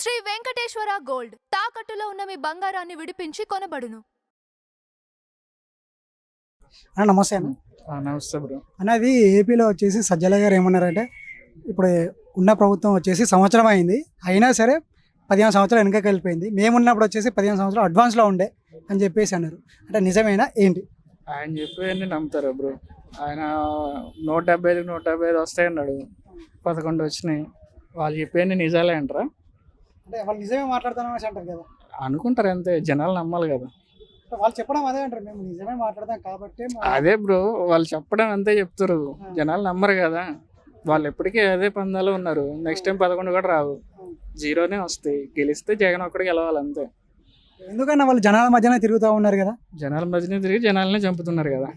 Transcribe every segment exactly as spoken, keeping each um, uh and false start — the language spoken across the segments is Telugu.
శ్రీ వెంకటేశ్వర గోల్డ్ తాకట్టులో ఉన్న మీ బంగారాన్ని విడిపించి కొనబడును. అన్న నమస్తే అన్న. నమస్తే బ్రో. అన్నది ఏపీలో వచ్చేసి సజ్జల గారు ఏమన్నారంటే ఇప్పుడు ఉన్న ప్రభుత్వం వచ్చేసి సంవత్సరం అయింది, అయినా సరే పదిహేను సంవత్సరాలు వెనకకి వెళ్ళిపోయింది, మేమున్నప్పుడు వచ్చేసి పదిహేను సంవత్సరాలు అడ్వాన్స్లో ఉండే అని చెప్పేసి అన్నారు. అంటే నిజమేనా ఏంటి? ఆయన చెప్పేవన్నీ నమ్ముతారా బ్రో? ఆయన నూట డెబ్బై ఐదు నూట డెబ్బై ఐదు వస్తాయి అన్నాడు, పదకొండు వచ్చినాయి. వాళ్ళు చెప్పేవన్నీ నిజాలే అంటారా? అంటే వాళ్ళు నిజమే మాట్లాడతాను అంటారు కదా, అనుకుంటారు అంతే, జనాలు నమ్మాలి కదా. వాళ్ళు చెప్పడం అదే అంటారు, మేము నిజమే మాట్లాడతాం కాబట్టి. అదే బ్రో, వాళ్ళు చెప్పడం అంతే చెప్తారు, జనాలు నమ్మరు కదా. వాళ్ళు ఎప్పటికీ అదే పందాలు ఉన్నారు. నెక్స్ట్ టైం పదకొండు కూడా రావు, జీరోనే వస్తాయి. గెలిస్తే జగన్ ఒక్కడికి గెలవాలి అంతే. ఎందుకన్నా వాళ్ళు జనాల మధ్యనే తిరుగుతూ ఉన్నారు కదా, జనాల మధ్యనే తిరిగి జనాలనే చంపుతున్నారు కదా,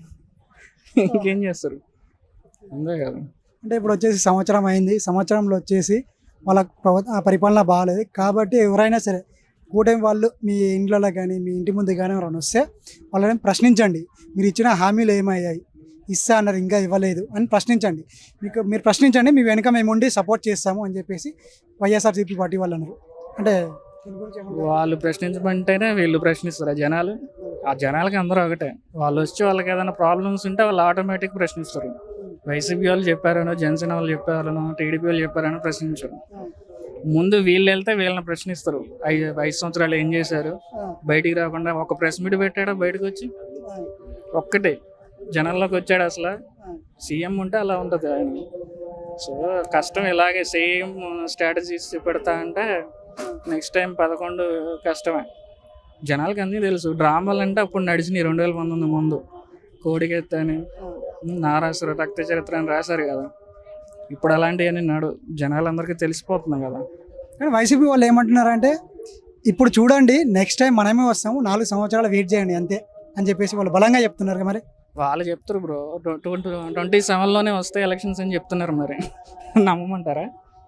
ఇంకేం చేస్తారు అంతే కదా. అంటే ఇప్పుడు వచ్చేసి సంవత్సరం అయింది, సంవత్సరంలో వచ్చేసి వాళ్ళ ప్రభుత్వ పరిపాలన బాగాలేదు కాబట్టి ఎవరైనా సరే కూటమి వాళ్ళు మీ ఇంట్లో కానీ మీ ఇంటి ముందు కానీ ఎవరైనా వస్తే వాళ్ళని ప్రశ్నించండి. మీరు ఇచ్చిన హామీలు ఏమయ్యాయి, ఇస్తా అన్నారు ఇంకా ఇవ్వలేదు అని ప్రశ్నించండి. మీకు మీరు ప్రశ్నించండి, మీ వెనుక మేము ఉండి సపోర్ట్ చేస్తాము అని చెప్పేసి వైఎస్ఆర్సీపీ పార్టీ వాళ్ళు అన్నారు. అంటే వాళ్ళు ప్రశ్నించమంటేనే వీళ్ళు ప్రశ్నిస్తారు. ఆ జనాలు ఆ జనాలకి అందరూ ఒకటే. వాళ్ళు వచ్చి వాళ్ళకి ఏదైనా ప్రాబ్లమ్స్ ఉంటే వాళ్ళు ఆటోమేటిక్ ప్రశ్నిస్తారు. వైసీపీ వాళ్ళు చెప్పారనో, జనసేన వాళ్ళు చెప్పారనో, టీడీపీ వాళ్ళు చెప్పారనో ప్రశ్నించరు. ముందు వీళ్ళు వెళ్తే వీళ్ళని ప్రశ్నిస్తారు. ఐదు ఐదు సంవత్సరాలు ఏం చేశారు, బయటికి రాకుండా ఒక ప్రెస్ మీట్ పెట్టాడా, బయటకు వచ్చి ఒక్కటే జనాల్లోకి వచ్చాడు. అసలు సీఎం ఉంటే అలా ఉంటుంది ఆయన. సో కష్టం ఇలాగే సేమ్ స్ట్రాటజీస్ పెడతా అంటే నెక్స్ట్ టైం పదకొండు కష్టమే. జనాలకి అన్నీ తెలుసు. డ్రామాలు అంటే అప్పుడు నడిచినాయి రెండు వేల పంతొమ్మిది ముందు. కోడికెత్తని, నారాసురు, రక్త చరిత్ర అని రాశారు కదా. ఇప్పుడు అలాంటివన్నీ నడు జనాలందరికీ తెలిసిపోతున్నాయి కదా. కానీ వైసీపీ వాళ్ళు ఏమంటున్నారంటే ఇప్పుడు చూడండి నెక్స్ట్ టైం మనమే వస్తాము, నాలుగు సంవత్సరాలు వెయిట్ చేయండి అంతే అని చెప్పేసి వాళ్ళు బలంగా చెప్తున్నారు. మరి వాళ్ళు చెప్తారు బ్రో, ట్వంటీ ట్వంటీ సెవెన్లోనే వస్తాయి ఎలక్షన్స్ అని చెప్తున్నారు. మరి నమ్మమంటారా?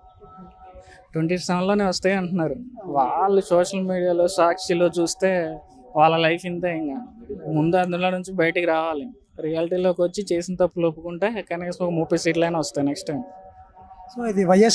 ట్వంటీ సెవెన్లోనే వస్తాయి అంటున్నారు. వాళ్ళు సోషల్ మీడియాలో సాక్షిలో చూస్తే వాళ్ళ లైఫ్ ఇంతే. ఇంకా ముందు అందులో నుంచి బయటికి రావాలి, రియాలిటీలోకి వచ్చి చేసిన తప్పులు ఒప్పుకుంటే కనీసం ఒక ముప్పై సీట్లైనా వస్తాయి నెక్స్ట్ టైం. సో ఇది వైఎస్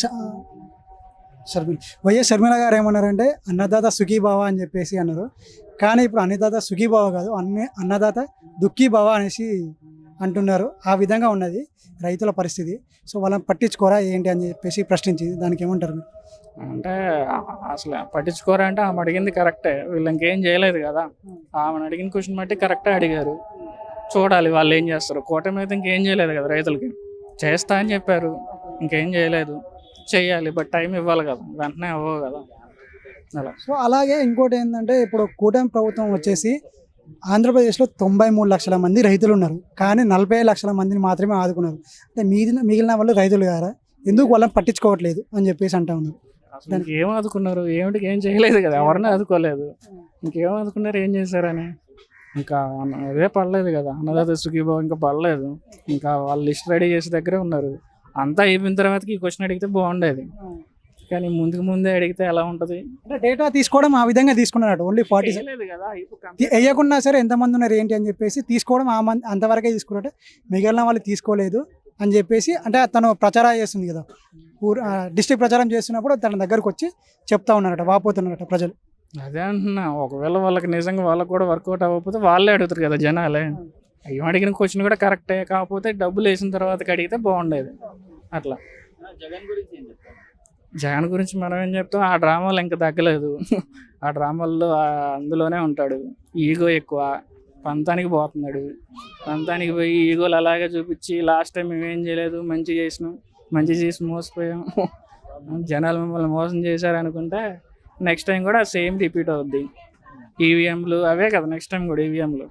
షర్మిల వైఎస్ షర్మిల గారు ఏమన్నారంటే అన్నదాత సుఖీభావ అని చెప్పేసి అన్నారు. కానీ ఇప్పుడు అన్నదాత సుఖీభావ కాదు, అన్న అన్నదాత దుఃఖీభావ అనేసి అంటున్నారు. ఆ విధంగా ఉన్నది రైతుల పరిస్థితి. సో వాళ్ళని పట్టించుకోరా ఏంటి అని చెప్పేసి ప్రశ్నించింది. దానికి ఏమంటారు మీరు? అంటే అసలు పట్టించుకోరా అంటే ఆమె అడిగింది కరెక్టే, వీళ్ళు ఇంకేం చేయలేదు కదా. ఆమెను అడిగిన క్వశ్చన్ బట్టి కరెక్టే అడిగారు. చూడాలి వాళ్ళు ఏం చేస్తారు. కూటమి అయితే ఇంకేం చేయలేదు కదా, రైతులకి చేస్తా అని చెప్పారు, ఇంకేం చేయలేదు. చెయ్యాలి, బట్ టైం ఇవ్వాలి కదా, వెంటనే అవ్వవు కదా అలా. సో అలాగే ఇంకోటి ఏంటంటే ఇప్పుడు కూటమి ప్రభుత్వం వచ్చేసి ఆంధ్రప్రదేశ్లో తొంభై మూడు లక్షల మంది రైతులు ఉన్నారు, కానీ నలభై లక్షల మందిని మాత్రమే ఆదుకున్నారు. అంటే మిగిలిన మిగిలిన వాళ్ళు రైతులు గారా, ఎందుకు వాళ్ళని పట్టించుకోవట్లేదు అని చెప్పేసి అంటా ఉన్నారు. దానికి ఏం ఆదుకున్నారు? ఏమిటికి ఏం చేయలేదు కదా, ఎవరిని ఆదుకోలేదు. ఇంకేం ఆదుకున్నారు, ఏం చేశారని? ఇంకా అదే పడలేదు కదా, అన్నదాత సుఖీభావ ఇంకా పడలేదు. ఇంకా వాళ్ళు లిస్ట్ రెడీ చేసే దగ్గరే ఉన్నారు. అంతా అయిపోయిన తర్వాతకి ఈ క్వశ్చన్ అడిగితే బాగుండేది, కానీ ముందుకు ముందే అడిగితే ఎలా ఉంటుంది? అంటే డేటా తీసుకోవడం ఆ విధంగా తీసుకున్నాడు. ఓన్లీ ఫార్టీ లేదు కదా, వేయకున్నా సరే ఎంతమంది ఉన్నారు ఏంటి అని చెప్పేసి తీసుకోవడం ఆ మంది అంతవరకే తీసుకున్నట్టు, మిగిలిన వాళ్ళు తీసుకోలేదు అని చెప్పేసి. అంటే తను ప్రచారం చేస్తుంది కదా, ఊరు డిస్ట్రిక్ట్ ప్రచారం చేస్తున్నప్పుడు తన దగ్గరకు వచ్చి చెప్తా ఉన్నారట, వాపోతున్నారట ప్రజలు. అదే అంటున్నా, ఒకవేళ వాళ్ళకి నిజంగా వాళ్ళకి కూడా వర్కౌట్ అవ్వకపోతే వాళ్ళే అడుగుతారు కదా జనాలే. ఏం అడిగిన క్వశ్చన్ కూడా కరెక్టే, కాకపోతే డబ్బులు వేసిన తర్వాత అడిగితే బాగుండేది అట్లా. జగన్ గురించి ఏం చెప్తారు? జగన్ గురించి మనం ఏం చెప్తాం, ఆ డ్రామాలు ఇంకా తగ్గలేదు. ఆ డ్రామాల్లో అందులోనే ఉంటాడు. ఈగో ఎక్కువ, పంతానికి పోతున్నాడు. పంతానికి పోయి ఈగోలు అలాగే చూపించి లాస్ట్ టైం మేమేం చేయలేదు, మంచి చేసినాం, మంచి చేసి మోసపోయాం, జనాలు మిమ్మల్ని మోసం చేశారనుకుంటే నెక్స్ట్ టైం కూడా సేమ్ రిపీట్ అవుద్ది. ఈవీఎంలు అవే కదా నెక్స్ట్ టైం కూడా ఈవీఎంలు.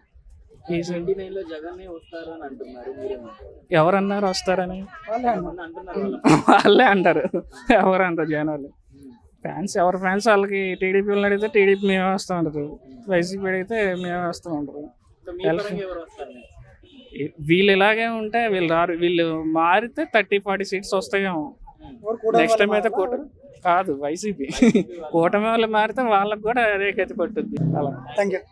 ఎవరన్నారు వస్తారని? వాళ్ళే అంటారు. ఎవరంటారు జనాలు? ఫ్యాన్స్ ఎవరు ఫ్యాన్స్ వాళ్ళకి. టీడీపీ వాళ్ళని అడిగితే టీడీపీ మేమే వస్తూ ఉంటారు, వైసీపీ అడిగితే మేమే వస్తూ ఉంటారు. వీళ్ళు ఇలాగే ఉంటే వీళ్ళు రారు. వీళ్ళు మారితే థర్టీ ఫార్టీ సీట్స్ వస్తాయేమో నెక్స్ట్ టైం. అయితే కూటమి కాదు వైసీపీ, కూటమి వాళ్ళు మారితే వాళ్ళకి కూడా అదే గతి పట్టుద్ది అలా. Thank you.